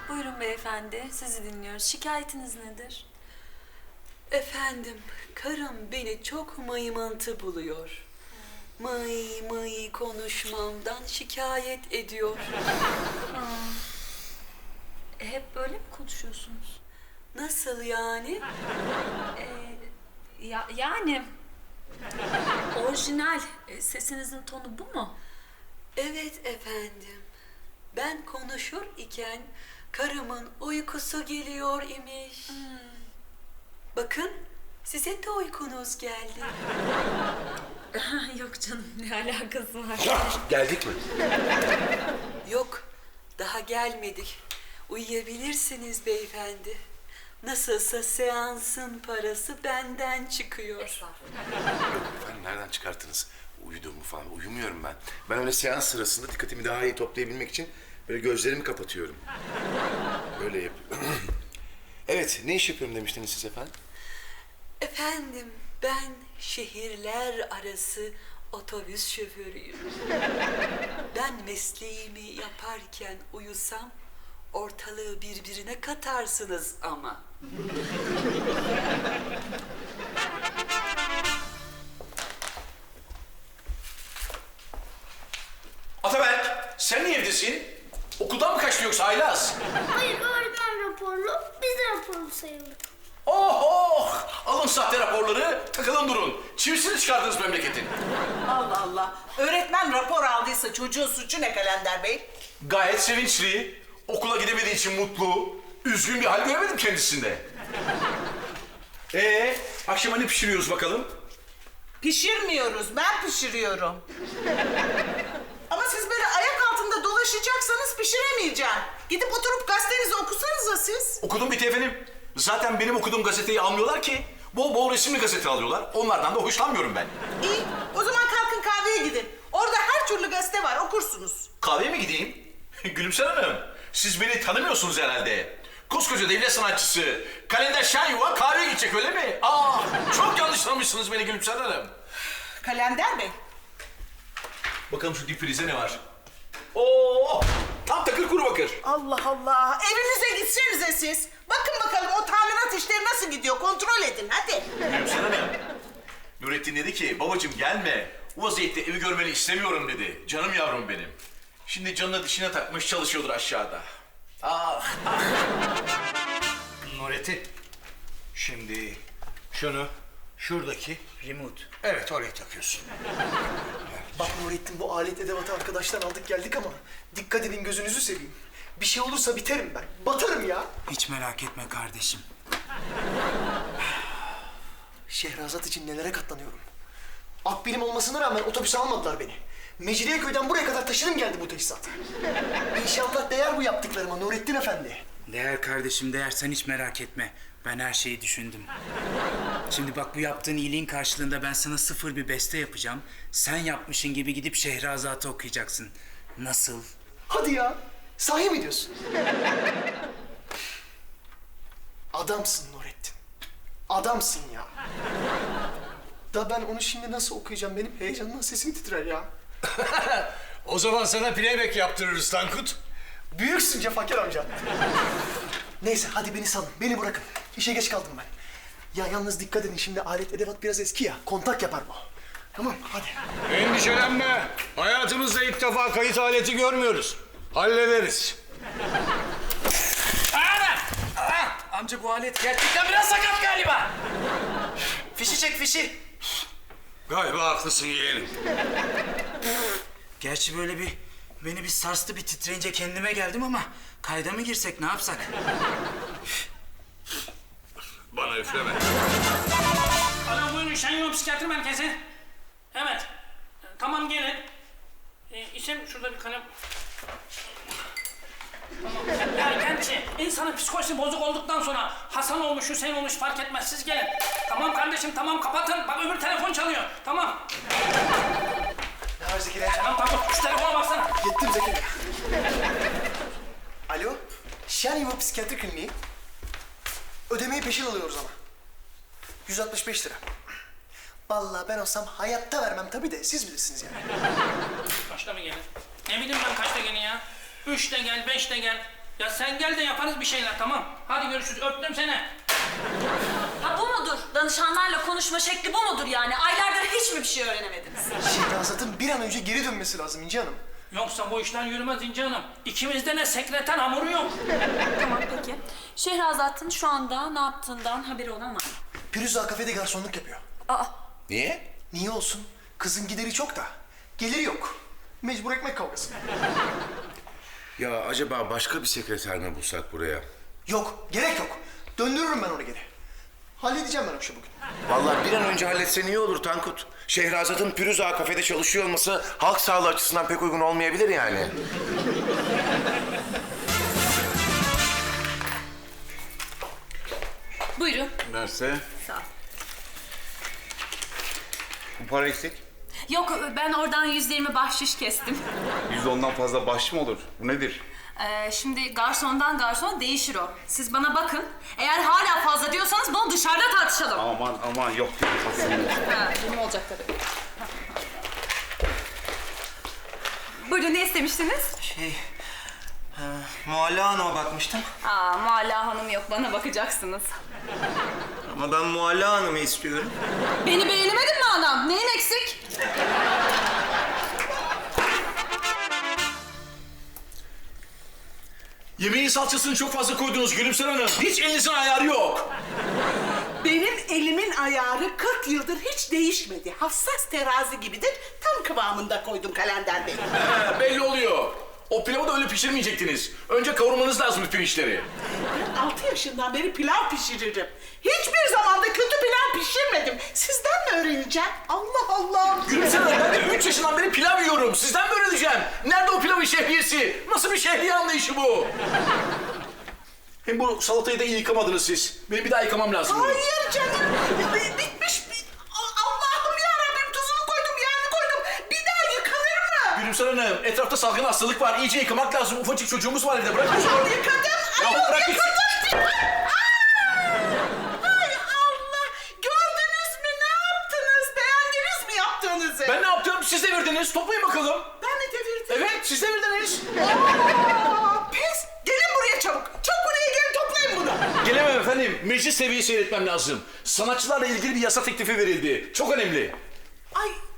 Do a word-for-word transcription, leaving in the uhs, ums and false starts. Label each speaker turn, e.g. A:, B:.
A: Buyurun beyefendi, sizi dinliyoruz. Şikayetiniz nedir?
B: Efendim, karım beni çok mıymıntı buluyor. Mıy mıy konuşmamdan şikayet ediyor.
A: E, hep böyle mi konuşuyorsunuz?
B: Nasıl yani?
A: Ee, ya, yani... Orijinal, e, sesinizin tonu bu mu?
B: Evet efendim. Ben konuşur iken karımın uykusu geliyor imiş. Bakın, size de uykunuz geldi.
A: Yok canım, ne alakası var?
C: Geldik mi?
B: Yok, daha gelmedik. Uyuyabilirsiniz beyefendi. Nasılsa seansın parası benden çıkıyor.
C: Efendim nereden çıkarttınız? Uyuduğumu falan. Uyumuyorum ben. Ben öyle seans sırasında dikkatimi daha iyi toplayabilmek için böyle gözlerimi kapatıyorum. Böyle yapıyorum. Evet, ne iş yapıyorum demiştiniz siz efendim?
B: Efendim, ben şehirler arası otobüs şoförüyüm. Ben mesleğimi yaparken uyusam ortalığı birbirine katarsınız ama.
D: Ataberk, sen niye evdesin? Okuldan mı kaçtı yoksa Aylaz?
E: Hayır, öğretmen raporlu, biz de raporlu sayıldık.
D: Oh oh! Alın sahte raporları, takılın durun. Çivisini çıkardınız memleketin.
F: Allah Allah. Öğretmen rapor aldıysa çocuğun suçu ne Kalender Bey?
D: Gayet sevinçli, okula gidemediği için mutlu, üzgün bir hal göremedim kendisinde. Ee, akşama ne pişiriyoruz bakalım?
F: Pişirmiyoruz, ben pişiriyorum. Ama siz böyle ayak altında dolaşacaksanız pişiremeyeceğim. Gidip oturup gazetenizi okusanıza siz.
D: Okudum bitti efendim. Zaten benim okuduğum gazeteyi almıyorlar ki. Bol bol resimli gazete alıyorlar. Onlardan da hoşlanmıyorum ben.
F: İyi, o zaman kalkın kahveye gidin. Orada her türlü gazete var, okursunuz.
D: Kahveye mi gideyim? Gülümser Hanım, siz beni tanımıyorsunuz herhalde. Koskoca devlet sanatçısı, Kalender Şenyuva kahveye gidecek öyle mi? Aa, çok yanlış tanımışsınız beni Gülümser Hanım.
F: Kalender Bey.
D: Bakalım şu difrize ne var? Oo, tam takır kuru bakır.
F: Allah Allah, evinize gitsenize siz. Bakın bakalım o tamirat işleri nasıl gidiyor, kontrol edin hadi.
D: Gülümser Hanım, Nurettin dedi ki, babacığım gelme. O vaziyette evi görmeni istemiyorum dedi. Canım yavrum benim. Şimdi canına dişine takmış çalışıyordur aşağıda. Ah,
G: Nurettin, şimdi şunu şuradaki remote. Evet, oraya takıyorsun.
H: Bak Nurettin, bu alet edevatı arkadaştan aldık geldik ama dikkat edin, gözünüzü seveyim. Bir şey olursa biterim ben. Batarım ya.
G: Hiç merak etme kardeşim.
H: Şehrazat için nelere katlanıyorum. Akbilim olmasına rağmen otobüse almadılar beni. Mecidiyeköy'den buraya kadar taşıdım geldi bu teçhizat. İnşallah değer bu yaptıklarıma Nurettin Efendi.
G: Değer kardeşim değer, sen hiç merak etme. Ben her şeyi düşündüm. Şimdi bak, bu yaptığın iyiliğin karşılığında ben sana sıfır bir beste yapacağım. Sen yapmışın gibi gidip Şehrazat'ı okuyacaksın. Nasıl?
H: Hadi ya. Sahi mi diyorsun? Adamsın Nurettin. Adamsın ya. Da ben onu şimdi nasıl okuyacağım? Benim heyecandan sesim titrer ya.
G: O zaman sana playback yaptırırız Tankut.
H: Büyüksün Cefakar amca. Neyse hadi beni salın. Beni bırakın. İşe geç kaldım ben. Ya yalnız dikkat edin, şimdi alet edevat biraz eski ya. Kontak yapar bu. Tamam hadi.
G: Endişelenme. Hayatımızda ilk defa kayıt aleti görmüyoruz. Hallederiz.
I: Amca bu alet gerçekten biraz sakat galiba. Fişi çek fişi.
G: Galiba haklısın yeğenim. Gerçi böyle bir beni bir sarstı, bir titreyince kendime geldim ama kayda mı girsek, ne yapsak?
D: Bana üfleme.
J: Alo, buyurun Şenyol Psikiyatri Merkezi. Evet. Tamam, gelin. Ee, isim şurada bir kalem. Tamam. Ya gerçi insanın psikolojisi bozuk olduktan sonra Hasan olmuş, Hüseyin olmuş fark etmez. Siz gelin. Tamam kardeşim, tamam kapatın. Bak öbür telefon çalıyor. Tamam.
H: Ne var Zekeriya?
J: Tamam tamam. Şu telefona baksana.
H: Gittim Zekeriya. Alo. Şenyuva Psikiyatri Kliniği. Ödemeyi peşin alıyoruz ama. yüz altmış beş lira. Vallahi ben olsam hayatta vermem tabii de siz bilirsiniz yani.
J: Kaçta mı gelir? Ne bileyim ben kaçta gelin ya? Üçte gel, beşte gel. Ya sen gel de yaparız bir şeyler tamam. Hadi görüşürüz öptüm seni.
A: Ha bu mudur? Danışanlarla konuşma şekli bu mudur yani? Aylardır hiç mi bir şey öğrenemediniz?
H: Şehrazat'ın bir an önce geri dönmesi lazım İnci Hanım.
J: Yoksa bu işler yürümez İnci Hanım. İkimizde ne sekreter hamuru yok.
A: Tamam peki. Şehrazat'ın şu anda ne yaptığından haberi olan var mı?
H: Firuze kafede garsonluk yapıyor.
A: Aa,
C: Niye?
H: Niye olsun? Kızın gideri çok da. Geliri yok. Mecbur ekmek kavgası.
C: Ya acaba başka bir sekreter mi bulsak buraya?
H: Yok, gerek yok. Döndürürüm ben onu geri. Halledeceğim ben o işi bugün.
C: Vallahi bir an önce halletsen iyi olur Tankut. Şehrazat'ın Pürüz Ağa kafede çalışıyor olması halk sağlığı açısından pek uygun olmayabilir yani.
A: buyurun.
K: Derse
A: Sağ ol.
K: bu para eksik.
A: Yok ben oradan yüzde yirmi bahşiş kestim.
K: Yüz ondan fazla bahşiş mi olur? Bu nedir?
A: Ee, şimdi garsondan garsona değişir o. Siz bana bakın. Eğer hala fazla diyorsanız bunu dışarıda tartışalım.
K: Aman aman yok diyor hastanın.
A: Ha, benim olacak tabii. Buyurun ne istemiştiniz?
I: Şey, e, Mualla Hanım'a bakmıştım.
A: Aa, Mualla Hanım yok, bana bakacaksınız.
I: Ama ben Mualla Hanım'ı istiyorum.
A: Beni beğenemedin mi adam? Neyin eksik?
D: Yemeğin salçasını çok fazla koydunuz Gülümser Hanım. Hiç elinizin ayarı yok.
F: Benim elimin ayarı kırk yıldır hiç değişmedi. Hassas terazi gibidir. Tam kıvamında koydum Kalender Bey.
D: He, belli oluyor. O pilavı da öyle pişirmeyecektiniz. Önce kavurmanız lazım pirinçleri.
F: Ben altı yaşından beri pilav pişiririm. Hiçbir zaman da kötü pilav pişirmedim. Sizden mi öğreneceğim? Allah Allah.
D: Gülümser Hanım ben de üç yaşından beri pilav yiyorum. Sizden mi öğreneceğim? Nerede o pilavın şehriyesi? Nasıl bir şehriye anlayışı bu? Hem bu salatayı da iyi yıkamadınız siz. Benim bir daha yıkamam lazım.
F: Hayır canım. Bi- Bitmiş. Bi- A- Allah'ım yarabbim tuzunu koydum, yağını koydum. Bir daha yıkanır mı?
D: Gülümser Hanım etrafta salgın hastalık var. İyice yıkamak lazım. Ufacık çocuğumuz var evde. Bırakın şunu.
F: Ayol yıkadım.
D: Ya
F: Ayol
D: bırak gitsin.
F: yıkadım. Ay Allah. Gördünüz mü ne yaptınız? Beğendiniz mi yaptığınızı?
D: Ben ne yaptım? Siz devirdiniz. Toplayın bakalım.
F: Ben mi devirdim?
D: Evet siz devirdiniz.
F: Aa, pes. Gelin buraya çabuk. Çabuk buraya gelin toplayın bunu.
D: Gelemem efendim. Meclis seviyesi seyretmem lazım. Sanatçılarla ilgili bir yasa teklifi verildi. Çok önemli.
F: Ay